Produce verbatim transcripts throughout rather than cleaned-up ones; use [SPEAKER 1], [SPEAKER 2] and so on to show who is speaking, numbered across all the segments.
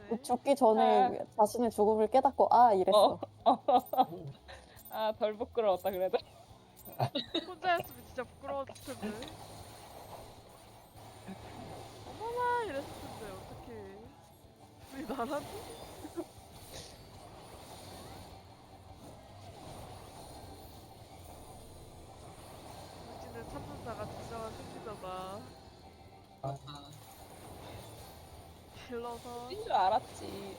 [SPEAKER 1] 죽기 전에 자신의 죽음을 깨닫고 아
[SPEAKER 2] 어.
[SPEAKER 1] 이랬어.
[SPEAKER 2] 아 덜 부끄러웠다 그래도.
[SPEAKER 3] 혼자였으면 진짜 부끄러웠을 텐데. 어머나 이랬을 텐데 어떡해. 왜 나라니? 물진을 찾는 자가 진정한 승리자다.
[SPEAKER 4] 아,
[SPEAKER 3] 딜러서
[SPEAKER 2] 뛴 줄 알았지.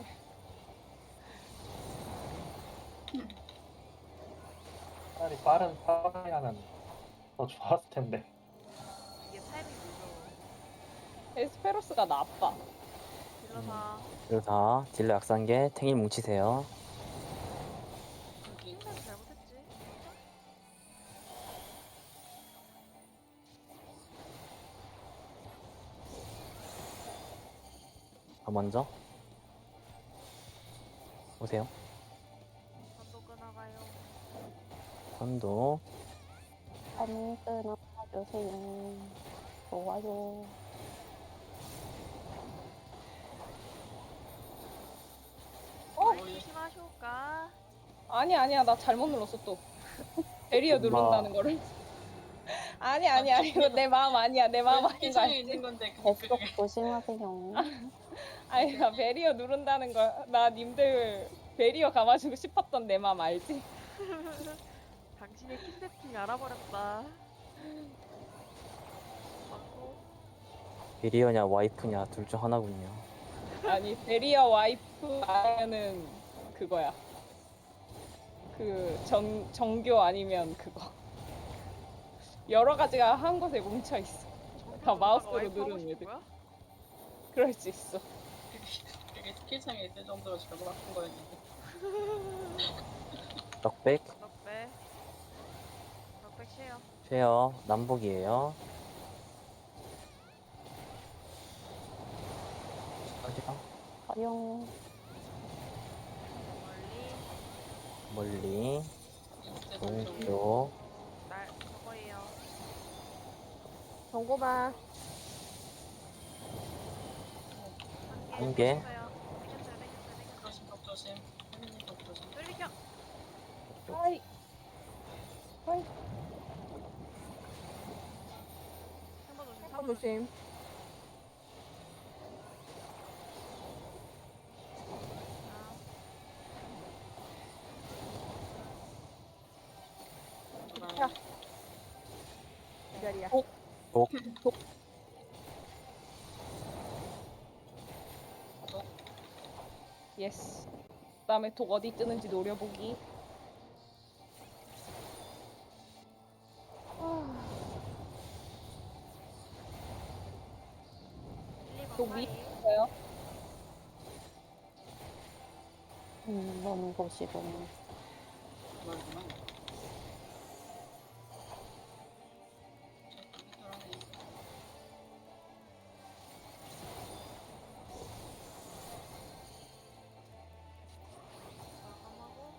[SPEAKER 5] 차라리 빠른 파이하면 더 좋았을 텐데.
[SPEAKER 3] 이게 타이밍 늦어.
[SPEAKER 2] 에스페로스가 나빠.
[SPEAKER 3] 딜러서
[SPEAKER 6] 그래서 딜러 약산계 탱일 뭉치세요.
[SPEAKER 4] 여기
[SPEAKER 3] 생각 잘못했지.
[SPEAKER 6] 아, 먼저 오세요.
[SPEAKER 3] 반도 끊어가요.
[SPEAKER 6] 선도
[SPEAKER 1] 한 끊어주세요. 좋아요.
[SPEAKER 3] 어? 조심하쇼까.
[SPEAKER 2] 아니 아니야 나 잘못 눌렀어 또. 베리어
[SPEAKER 6] 엄마.
[SPEAKER 2] 누른다는 거를. 아니 아니 아니 이거 내 마음 아니야 내 마음 아닌 거
[SPEAKER 4] 세상에
[SPEAKER 2] 알지?
[SPEAKER 4] 있는 건데 그
[SPEAKER 1] 뱃속 조심하세요.
[SPEAKER 2] 아니 나 베리어 누른다는 거 나 님들 베리어 감아주고 싶었던 내 마음 알지?
[SPEAKER 3] 당신의 키 세팅 알아버렸다. 맞고
[SPEAKER 6] 비리어냐 와이프냐 둘 중 하나군요.
[SPEAKER 2] 아니 베리어 와이프 아니면은 그거야. 그 정 정교 아니면 그거. 여러 가지가 한 곳에 뭉쳐 있어. 다 마우스로 누르는 애들.
[SPEAKER 3] 거야?
[SPEAKER 2] 그럴 수 있어.
[SPEAKER 4] 되게 스킬창에 있을 정도로 잘못 아픈 거였는데.
[SPEAKER 6] 넉백
[SPEAKER 3] 넉배. 넉백 쉐어.
[SPEAKER 6] 쉐어 남북이에요. 어디가?
[SPEAKER 1] 가용.
[SPEAKER 3] 멀리.
[SPEAKER 6] 멀리
[SPEAKER 4] 이때
[SPEAKER 6] 동쪽
[SPEAKER 3] 날 저거예요.
[SPEAKER 1] 정고만.
[SPEAKER 6] 한 개.
[SPEAKER 3] 땡겼어요. 땡겼어요. 땡겼어요.
[SPEAKER 4] 조심 덕 조심. 혜민님 덕 조심.
[SPEAKER 3] 땡겼어요. 뚫리켜.
[SPEAKER 2] 하이. 하이.
[SPEAKER 3] 한번 조심.
[SPEAKER 1] 한번 조심.
[SPEAKER 4] 야.
[SPEAKER 1] 이 자리야.
[SPEAKER 6] 독
[SPEAKER 2] 예스. 그다음에 독 어디 뜨는지 노려보기. 독 위 있어요.
[SPEAKER 1] 음, 먼 곳이군.
[SPEAKER 4] 그거구나.
[SPEAKER 3] 마감하고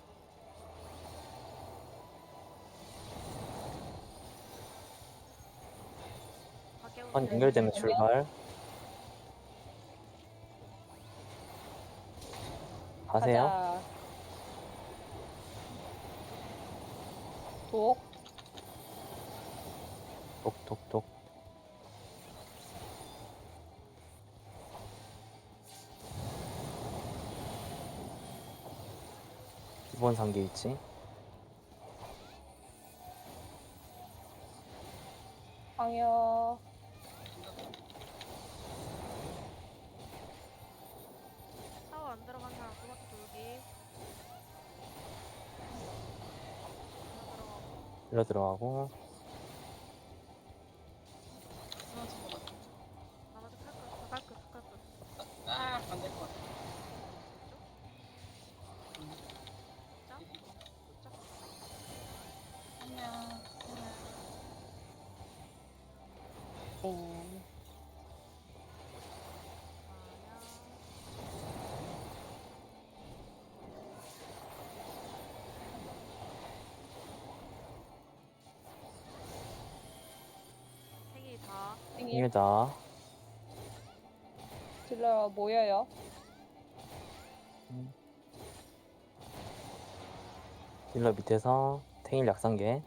[SPEAKER 3] 밖에
[SPEAKER 6] 선 연결되면 출발. 가세요.
[SPEAKER 2] 가자. 독.
[SPEAKER 6] 독독독 기본 상계 위치.
[SPEAKER 2] 방역.
[SPEAKER 3] 사워 안 들어간 사람 두 바퀴 돌기. 하나 들어가고.
[SPEAKER 6] 일로 들어가고
[SPEAKER 4] 쓰러진 것 같아.
[SPEAKER 3] 나머지 칼끝, 칼끝, 칼끝.
[SPEAKER 4] 아, 안 될 것 같아. 음.
[SPEAKER 3] ጫ? ጫ?
[SPEAKER 4] 안녕.
[SPEAKER 1] 네.
[SPEAKER 3] 생이 다
[SPEAKER 2] 생일
[SPEAKER 6] 일다
[SPEAKER 2] 딜러 모여요.
[SPEAKER 6] 딜러 밑에서 탱일 약상계.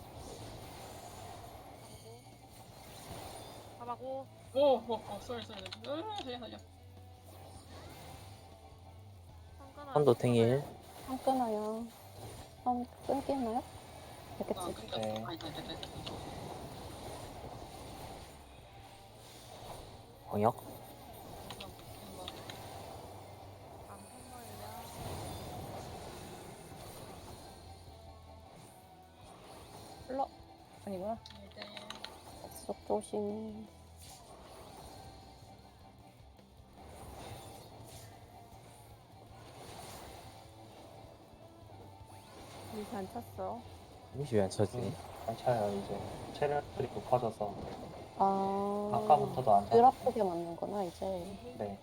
[SPEAKER 3] 가봐고.
[SPEAKER 4] 오, 오, 오, 쏘리, 쏘리. 으, 살려, 살려.
[SPEAKER 3] 상관아.
[SPEAKER 6] 선도 탱일.
[SPEAKER 1] 안 끊어요. 안 끊기나요?
[SPEAKER 4] 아,
[SPEAKER 1] 됐겠지.
[SPEAKER 4] 끊겼어.
[SPEAKER 5] 네.
[SPEAKER 4] 아니, 아니, 아니, 아니.
[SPEAKER 6] 광역.
[SPEAKER 3] 안 끊어요.
[SPEAKER 2] 흘러 아니구나.
[SPEAKER 1] 속 조심.
[SPEAKER 7] 이제 안 찼어.
[SPEAKER 6] 이시 왜안 쳐지?
[SPEAKER 5] 음, 안 차요 이제 체력들이 높아져서
[SPEAKER 1] 아.
[SPEAKER 5] 아까부터도 안
[SPEAKER 1] 덜
[SPEAKER 5] 찼어요.
[SPEAKER 1] 아프게 맞는구나, 이제.
[SPEAKER 5] 네.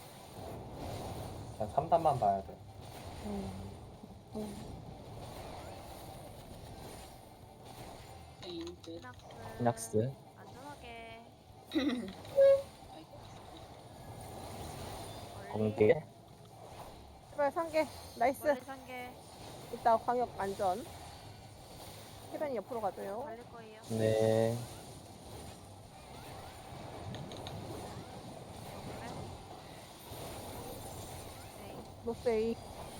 [SPEAKER 5] 그냥 삼 단만 봐야 돼.
[SPEAKER 1] 음. 음.
[SPEAKER 4] 인트.
[SPEAKER 3] 피낙스.
[SPEAKER 6] 피낙스.
[SPEAKER 3] 안전하게.
[SPEAKER 6] 번개.
[SPEAKER 7] 제발 상계. 나이스.
[SPEAKER 3] 멀리 상계.
[SPEAKER 7] 이따 광역 안전. 해변이 옆으로 가줘요.
[SPEAKER 3] 달릴 거예요.
[SPEAKER 6] 네.
[SPEAKER 3] 네.
[SPEAKER 7] 노세이.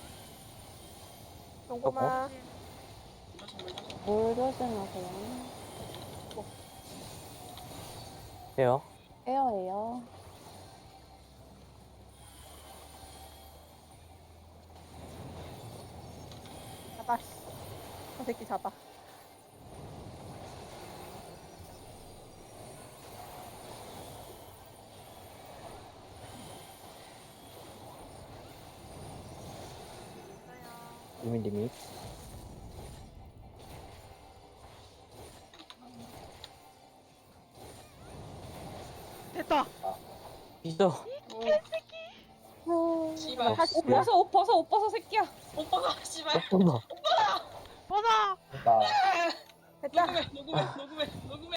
[SPEAKER 7] 정보마.
[SPEAKER 4] 이거 정말 이거
[SPEAKER 1] 물 조심하세요.
[SPEAKER 6] 해요.
[SPEAKER 1] 에어예요.
[SPEAKER 7] 잡아. 저 새끼 잡아.
[SPEAKER 3] 있어요.
[SPEAKER 6] 이민 리밋.
[SPEAKER 7] 됐다.
[SPEAKER 6] 이죠.
[SPEAKER 4] 오, 씨발.
[SPEAKER 7] 다시
[SPEAKER 2] 옷 벗어 옷 벗어 옷 벗어 새끼야.
[SPEAKER 4] 오빠가, 씨발.
[SPEAKER 6] 어, 나
[SPEAKER 3] 번호!
[SPEAKER 5] 그러니까
[SPEAKER 7] 됐다.
[SPEAKER 4] 녹음해, 녹음해, 녹음해, 녹음해.